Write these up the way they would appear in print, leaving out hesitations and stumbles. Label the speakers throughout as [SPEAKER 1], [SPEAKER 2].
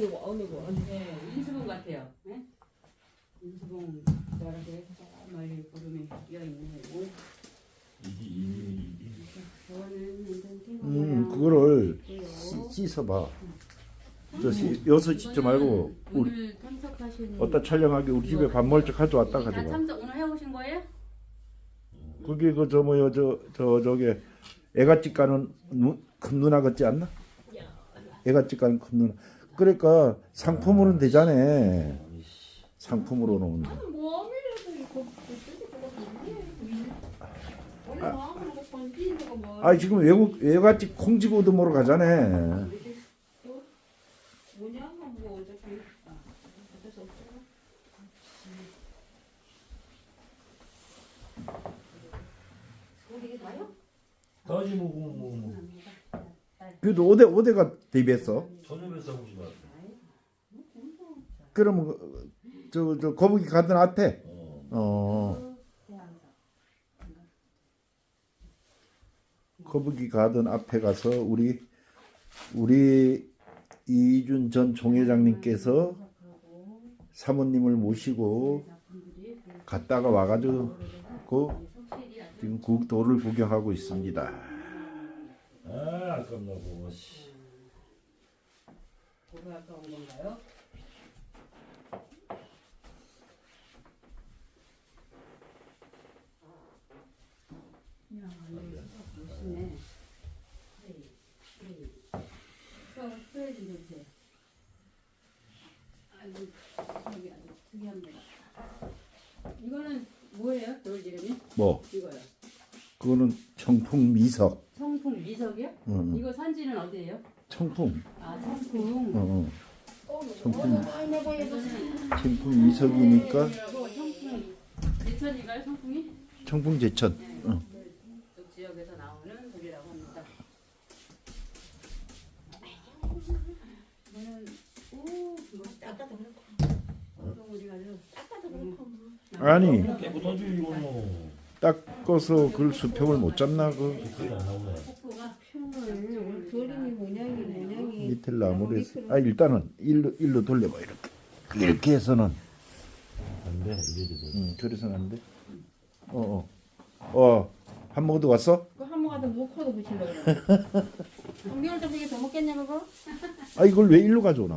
[SPEAKER 1] 네, 인수봉 같아요. 네? 인수봉 저렇게 멀리 구름이 끼어있네요. 저거는 완전 탱고 모양.
[SPEAKER 2] 그거를 씻어봐. 여기서 씻지 말고
[SPEAKER 1] 오늘 참석하신
[SPEAKER 2] 어디다 촬영하기 우리 집에 밥 먹을 적 가져왔다
[SPEAKER 1] 다
[SPEAKER 2] 가져가.
[SPEAKER 1] 참석 오늘 해오신 거예요?
[SPEAKER 2] 그게 그 저 뭐야 저게 애가집 가는 큰 누나 같지 않나? 애가집 가는 큰 누나. 그러니까 상품으로는 되잖아. 상품으로는. 아 지금 외갓집 콩지고 드모로 가잖아.
[SPEAKER 3] 다시 뭐.
[SPEAKER 2] 그래도 어디가 데뷔했어?
[SPEAKER 3] 저녁에 싸우지 마.
[SPEAKER 2] 그러면 저 거북이 가든 앞에. 거북이 가든 앞에 가서 우리 이준 전 총회장님께서 사모님을 모시고 갔다가 와가지고 지금 국도를 구경하고 있습니다.
[SPEAKER 3] 아, 아깝나 보고.
[SPEAKER 1] 뭐가 아까운 건가요? 야, 멋있네. 스프레이 좀 주세요. 아이고, 여기 아주 특이합니다. 이거는 뭐예요? 돌 이름이?
[SPEAKER 2] 뭐?
[SPEAKER 1] 이거요.
[SPEAKER 2] 그거는 청풍 미석.
[SPEAKER 1] 청풍 미석이요? 이거 산지는 어디예요?
[SPEAKER 2] 청풍.
[SPEAKER 1] 아, 청풍.
[SPEAKER 2] 청풍 미석이니까
[SPEAKER 1] 청풍 제천인가요? 청풍이?
[SPEAKER 2] 청풍 제천.
[SPEAKER 1] 네. 이쪽 지역에서 나오는 돌이라고 합니다. 이거는 멋있다.
[SPEAKER 4] 아까도 그렇고.
[SPEAKER 1] 어디 가죠?
[SPEAKER 4] 아까도 그렇고.
[SPEAKER 2] 아니
[SPEAKER 3] 깨끗하지 이거는.
[SPEAKER 2] 닦아서 그걸 수평을 못 잡나 그
[SPEAKER 3] 그게 안 나오네.
[SPEAKER 1] 폭포가
[SPEAKER 4] 평을 그림이 모양이
[SPEAKER 2] 밑에 나무를 해서 일단은 일로 돌려봐 이렇게 해서는
[SPEAKER 3] 안 돼. 이래도 돼.
[SPEAKER 2] 그래서는 안 돼. 한 모도 왔어?
[SPEAKER 4] 그 한모가도 목화도 붙이려고 그래. 미울 때 그게 더 먹겠냐 그거?
[SPEAKER 2] 아 이걸 왜 일로 가져오나?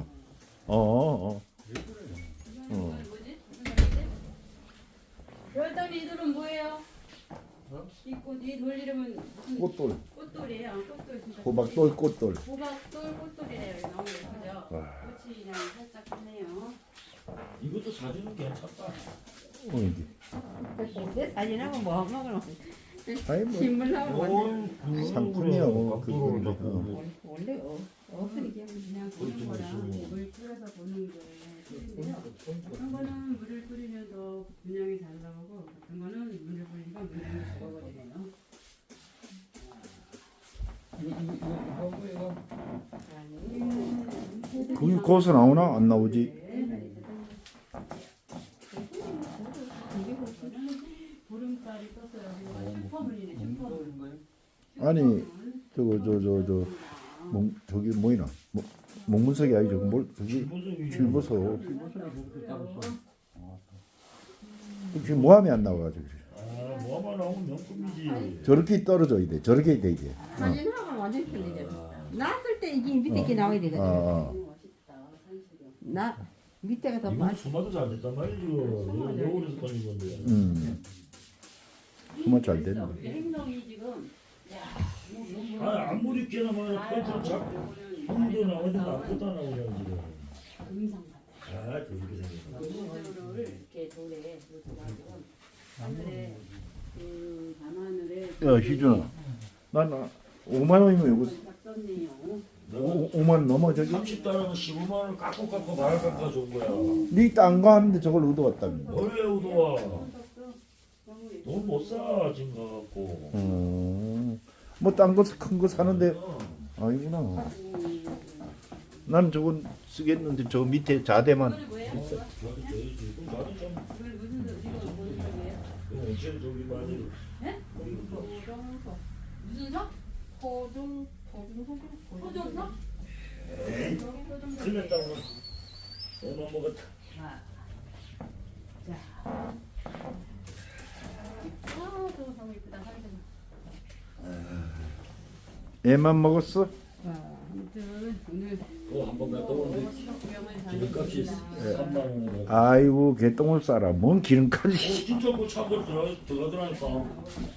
[SPEAKER 1] 뭐지? 무슨 말이지? 별돌이 이들은 뭐예요? 이 돌 이름은 무슨
[SPEAKER 2] 꽃돌,
[SPEAKER 1] 꽃돌이에요. 꽃돌 진짜.
[SPEAKER 2] 호박돌, 꽃돌.
[SPEAKER 1] 호박돌 꽃돌이래요. 너무 예쁘죠? 꽃이 그냥 살짝 크네요.
[SPEAKER 3] 이것도 사진은 괜찮다.
[SPEAKER 2] 이게
[SPEAKER 4] 사진하고 뭐 먹으러
[SPEAKER 2] 아니 뭐
[SPEAKER 4] 신문하고
[SPEAKER 2] 상품이요.
[SPEAKER 3] 각도를
[SPEAKER 2] 그거.
[SPEAKER 3] 잡고.
[SPEAKER 4] 원래 없으니까
[SPEAKER 1] 그냥 보는 거랑 물 뿌려서 보는 게 틀린데요. 어떤 거는 물을 뿌리면 더 분양이 잘 나오고 어떤 거는 물을 뿌리니까 분양이 죽어버리네요.
[SPEAKER 2] 그게 거기서 나오나? 안 나오지?
[SPEAKER 1] 보름달이 떴어요. 슈퍼문이네, 슈퍼문.
[SPEAKER 2] 아니 저기 뭐이나 목문석이 아니죠. 뭘 저기 칠보석. 지금 모함이 안 나와가지고
[SPEAKER 3] 아, 뭐만 나오면 명품이지.
[SPEAKER 2] 저렇게 떨어져야 돼. 저렇게 돼 이게.
[SPEAKER 4] 사진하고 완전 틀리잖아. 났을 때 이게 밑에 게 나와야 되거든.
[SPEAKER 1] 멋있다, 산수령.
[SPEAKER 4] 나 밑에가 더
[SPEAKER 3] 이건
[SPEAKER 4] 많.
[SPEAKER 3] 수마도 잘 됐단 말이지. 여울에서 꺼낸 건데.
[SPEAKER 2] 정말 잘 됐네.
[SPEAKER 1] 행동이 지금
[SPEAKER 3] 아, 아무리 깨나면 컨트롤 잡고 힘도 나오지 나쁘다 나오냐 지금.
[SPEAKER 1] 금상 같아.
[SPEAKER 3] 아, 저렇게 생겼어.
[SPEAKER 1] 물을 이렇게 돌에 놓쳐가지고 하늘에 그 밤하늘에
[SPEAKER 2] 야 희준아, 난 5만 원이면 이거
[SPEAKER 1] 딱 떴네요.
[SPEAKER 2] 5만 원 넘어 저기.
[SPEAKER 3] 30달러는 15만 원을 깎고 말을 깎아 준 거야.
[SPEAKER 2] 네 딴 거 하는데 저걸 얻어왔다며.
[SPEAKER 3] 뭘 왜 우도와? 돈 못 사, 지금 가갖고.
[SPEAKER 2] 뭐 딴 거 큰 거 사는데 아니구나. 난 저건 쓰겠는데 저 밑에 자대만
[SPEAKER 1] 이거는 뭐예요?
[SPEAKER 2] 있어.
[SPEAKER 3] 나도 좀
[SPEAKER 1] 이걸 무슨 소리예요?
[SPEAKER 3] 온천 저기 많이.
[SPEAKER 1] 네? 무슨 석?
[SPEAKER 4] 호중
[SPEAKER 1] 호정석?
[SPEAKER 3] 에이, 큰일 났다 오늘. 너무 먹었다.
[SPEAKER 1] 자,
[SPEAKER 4] 아, 저거 너무 이쁘다. 사진.
[SPEAKER 2] 애만 먹었어?
[SPEAKER 1] 아무튼 오늘
[SPEAKER 3] 한번 갔다 오는데
[SPEAKER 1] 구경을
[SPEAKER 3] 기름값이
[SPEAKER 1] 잘했습니다.
[SPEAKER 3] 3만 원이라고.
[SPEAKER 2] 아이고 개똥을 싸라. 뭔 기름까지.
[SPEAKER 3] 진짜 그 차고 들어가더라니까.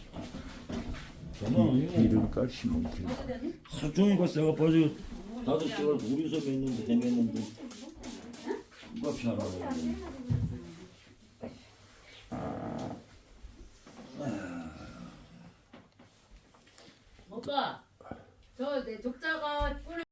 [SPEAKER 3] 정말
[SPEAKER 2] 기름까지 뭐 기름.
[SPEAKER 3] 하루 종일 갔어. 내가 벌써 5시간 우리서 맸는데 헤맸는데 값이 하나.